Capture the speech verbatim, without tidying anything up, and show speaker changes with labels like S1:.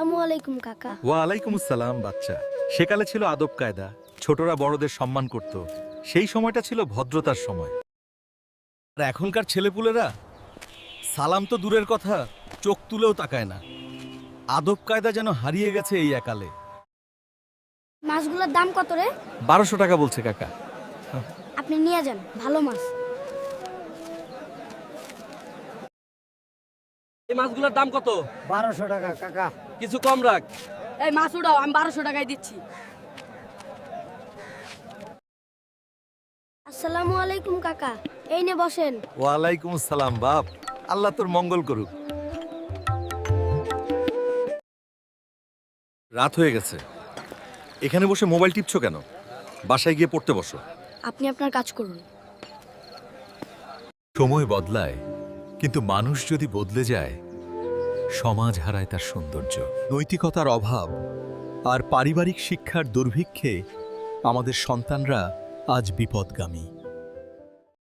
S1: আসসালামু আলাইকুম কাকা।
S2: ওয়ালাইকুম আসসালাম বাচ্চা। সেকালে ছিল আদব কায়দা, ছোটরা বড়দের সম্মান করত। সেই সময়টা ছিল ভদ্রতার সময়। আর এখনকার ছেলেপুলেরা সালাম তো দূরের কথা, চোখ তুলেও তাকায় না। আদব কায়দা যেন হারিয়ে গেছে এই একালে।
S1: মাছগুলোর দাম কত রে?
S2: বারোশো টাকা বলছে কাকা।
S1: আপনি নিয়ে যান, ভালো মাছ।
S3: এই মাছগুলোর দাম কত?
S4: বারোশো টাকা কাকা।
S3: কিছু কম রাখ।
S5: এই মাছ উঠাও, আমি বারোশো টাকায় দিচ্ছি।
S1: আসসালামু আলাইকুম কাকা, এই নে বসেন।
S2: ওয়ালাইকুম আসসালাম বাপ, আল্লাহ তোর মঙ্গল করুক। রাত হয়ে গেছে, এখানে বসে মোবাইল টিপছো কেন? বাসায় গিয়ে পড়তে বসো।
S1: আপনি আপনার কাজ করুন।
S6: সময় বদলায়, কিন্তু মানুষ যদি বদলে যায়, সমাজ হারায় তার সৌন্দর্য। নৈতিকতার অভাব আর পারিবারিক শিক্ষার দুর্ভিক্ষে আমাদের সন্তানরা আজ বিপদগামী।